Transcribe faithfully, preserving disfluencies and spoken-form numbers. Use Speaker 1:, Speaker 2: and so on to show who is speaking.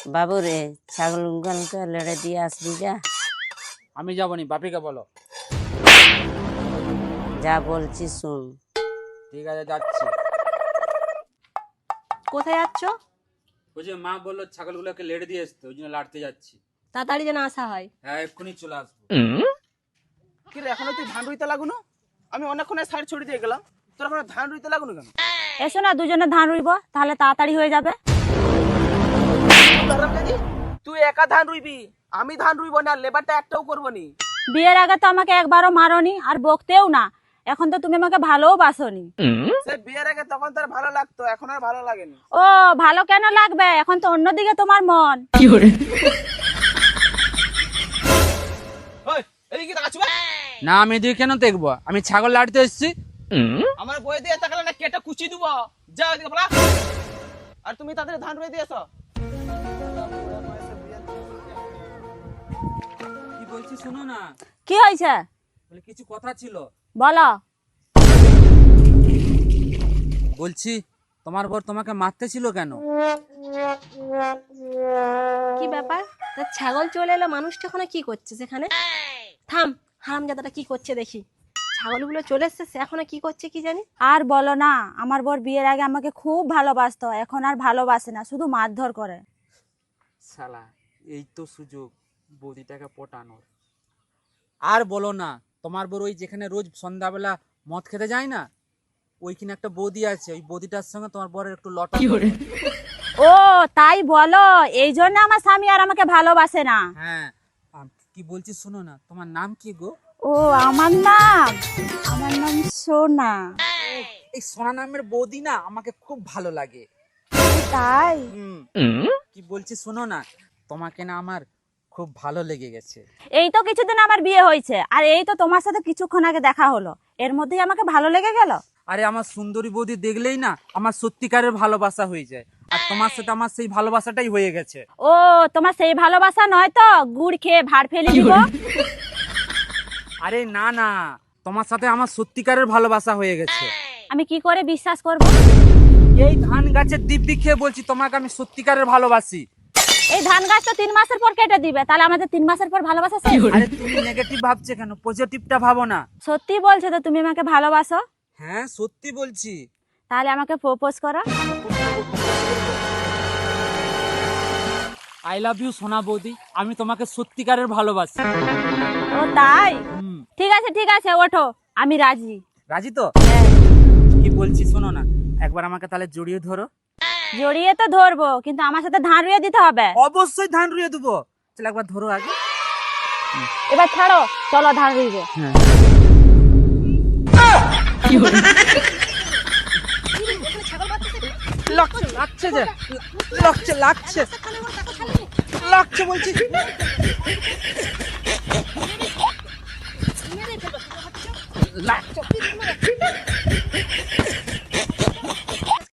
Speaker 1: বাবু রে ছাগল গুলোকে লেড়ে দিয়ে আসবি যা।
Speaker 2: আমি যাবো নি, বাপিকে বলো।
Speaker 1: যা বলছি শুন।
Speaker 2: ঠিক আছে, যাচ্ছি।
Speaker 3: কোথায় যাচ্ছ?
Speaker 2: ওই যে মা বললো ছাগলগুলোকে লেড়ে দিয়ে আসতে, ওই জন্য লাড়তে যাচ্ছি।
Speaker 3: তাড়াতাড়ি যেন আসা হয়।
Speaker 2: হ্যাঁ, এক্ষুনি চলে আসবো।
Speaker 4: কি রে, এখনো তুই ধান রুইতে লাগুনো? আমি অনেকক্ষণ সাইড ছড়ি দিয়ে গেলাম, তোর এখন ধান রুইতে লাগুনো কেন?
Speaker 3: এসো না দুজনে ধান রুইব, তাহলে তাড়াতাড়ি হয়ে যাবে।
Speaker 4: তুই একা ধান রুইবি, আমি ধান রুইব না, লেবারটা একটাও করবো নি।
Speaker 3: বিয়ের আগে তো আমাকে একবারও মারোনি আর বকতেও না, এখন তো তুমি আমাকে ভালোও বাসনি।
Speaker 4: সে বিয়ের আগে তখন তার ভালো লাগতো, এখন আর ভালো লাগেনি।
Speaker 3: ও ভালো কেন লাগবে, এখন তো অন্যদিকে তোমার মন।
Speaker 4: ওই, এদিকে তাকাচ্ছি বে।
Speaker 2: না, আমি এদিকে কেন দেখবো? আমি ছাগল লাড়তে এসেছি।
Speaker 4: আমার বই দিয়ে তাকালে না কেটে কুচি দিব। যা এদিকে বলা। আর তুমি তাদের ধান রুই দিয়ে এসো।
Speaker 2: কি বলছি শোনো না।
Speaker 3: কি হয়েছে
Speaker 2: বলে কিছু কথা ছিল।
Speaker 3: বলো।
Speaker 2: বলছি তোমার বর তোমাকে মারতে ছিল কেন?
Speaker 3: কি ব্যাপার? তা ছাগল চলে এলো, মানুষটা ওখানে কি করছে সেখানে? থাম, হারামজাদাটা কি করছে দেখি। ছাগলগুলো চলে এসছে, সে এখনো কি করছে কি জানি। আর বলো না, আমার বর বিয়ের আগে আমাকে খুব ভালোবাসতো, এখন আর ভালোবাসে না, শুধু মারধর করে।
Speaker 2: শালা, এই তো সুযোগ বৌদিটাকে পটানোর। আর বলো না, তোমার বর ওই যেখানে রোজ সন্ধ্যাবেলা মদ খেতে যায় না, ওইখানে একটা বৌদি আছে, ওই বৌদিটার সঙ্গে তোমার বরের একটু লটা।
Speaker 3: ও তাই বলো, এই জন্য আমার স্বামী আর আমাকে ভালোবাসে না।
Speaker 2: হ্যাঁ, আম- কি বলছি শোনো না, তোমার নাম কি গো?
Speaker 3: ও আমার নাম, আমার নাম সোনা।
Speaker 2: এই সোনা নামের বৌদি না আমাকে খুব ভালো লাগে।
Speaker 3: তাই?
Speaker 2: হুম, কি বলছি শোনো না, তোমাকে না আমার খুব ভালো লেগে গেছে।
Speaker 3: এই তো কিছুদিন আমার বিয়ে হয়েছে, আর এই তো তোমার সাথে কিছুক্ষণ আগে দেখা হলো, এর মধ্যেই আমাকে ভালো লেগে গেল।
Speaker 2: আরে আমার সুন্দরী বৌদি দেখলেই না আমার সত্যিকারের ভালোবাসা হয়ে যায়, আর তোমার সাথে আমার সেই ভালোবাসাটাই হয়ে গেছে।
Speaker 3: ও তোমার সেই ভালোবাসা নয় তো গুড় খেয়ে ভাড় ফেলে দিব।
Speaker 2: আরে না না, তোমার সাথে আমার সত্যিকারের ভালোবাসা হয়ে গেছে।
Speaker 3: আমি কি করে বিশ্বাস করব?
Speaker 2: এই ধান গাছের দিব্যি খেয়ে বলছি, তোমাকে আমি সত্যিকারের ভালোবাসি।
Speaker 3: এই ধান গাছ তো তিন মাসের পর কেটে দিবে, তাহলে আমাদের তিন মাসের পর ভালোবাসা শেষ।
Speaker 2: আরে তুমি নেগেটিভ ভাবছো কেন, পজিটিভটা ভাবো না।
Speaker 3: সত্যি বলছো তো তুমি আমাকে ভালোবাসো?
Speaker 2: হ্যাঁ, সত্যি বলছি।
Speaker 3: তাহলে আমাকে প্রপোজ করো।
Speaker 2: আই লাভ ইউ সোনা বৌদি, আমি তোমাকে সত্যিকারের ভালোবাসি।
Speaker 3: ও তাই?
Speaker 2: হুম,
Speaker 3: ঠিক আছে ঠিক আছে, ওঠো, আমি রাজি।
Speaker 2: রাজি তো? কি বলছি শোনো না, একবার আমাকে তাহলে জড়িয়ে ধরো।
Speaker 3: জড়িয়ে তো ধরবো, কিন্তু আমার সাথে ধান রুইয়ে দিতে হবে।
Speaker 2: অবশ্যই ধান রুইয়ে দেবো। চল একবার ধরো আগে।
Speaker 3: এবার ছাড়ো, চলো ধান রুইবো।
Speaker 2: লাগছে লাগছে যে লাগছে লাগছে লাগছে বলছি। লাগছে